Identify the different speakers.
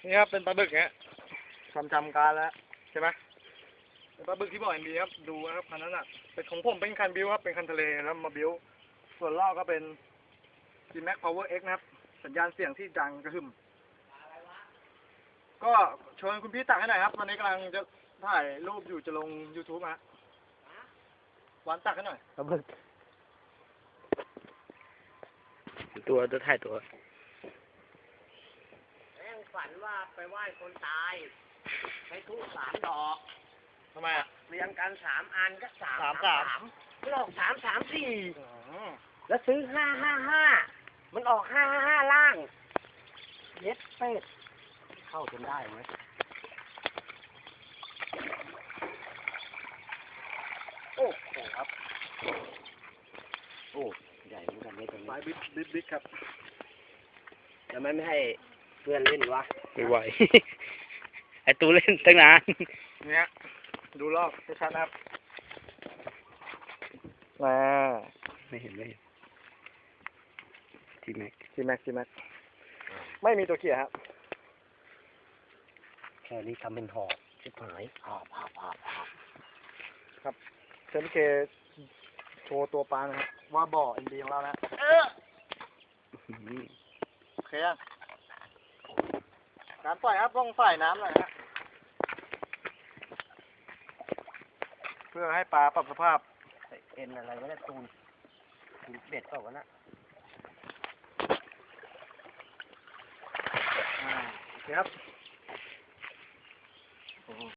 Speaker 1: นี่ครับเป็นปลาบึกเนี้ยจำการแล้วใช่ไหมเป็นปลาบึกที่บ่อเอ็นบีครับดูนะครับคันนั้นอ่ะเป็นของผมเป็นคันบิวครับเป็นคันทะเลแล้วมาบิวส่วนล่อก็เป็น G-Max Power X นะครับสัญญาณเสียงที่ดังกระหึ่มก็ชวนคุณพี่ตักให้หน่อยครับวันนี้กำลังจะถ่ายรูปอยู่จะลง YouTube ฮะวันตักให้หน่อยปลาบึก
Speaker 2: ตัวถ่ายตัว
Speaker 3: แม่งฝันว่าไปไหว้คนตายใช้ทูบ3 ดอก
Speaker 1: ทำไมอ่ะ
Speaker 3: เรียงกัน3 อันก็
Speaker 1: สาม
Speaker 3: มันออก334แล้วซื้อ555มันออก555ล่างเย็ดเป็ดเข้าจนได้ไหมโอ้โหครับโอ้ใหญ่เหมือนกันไม่ตรงนี้
Speaker 1: สายบิ๊กครับ
Speaker 3: แล้วไม่ให้เพื่อนเล่นวะ
Speaker 2: ไม่ไหว ไอตูเล่นตั้งนาน
Speaker 1: เนี่ยดูรอบชัดๆนะครับมา
Speaker 2: ไม่เห็นทีแม็ก
Speaker 1: G-Max ไม่มีตัวเกียร์ครับ
Speaker 3: แค่นี้ทำเป็นหอบชิบหายหอบ
Speaker 1: ครับเซนเคโชว์ตัวปลานะครับว่าบ่อเอ็นดีของเรานะโอเคยังการปล่อยครับต้องใส่น้ำหน่อยนะเพื่อให้ปลาปรับสภาพ
Speaker 3: เอ็นอะไรวะเนี่ยตูนเบ็ดเปล่าวะนะ
Speaker 1: โอเคครับ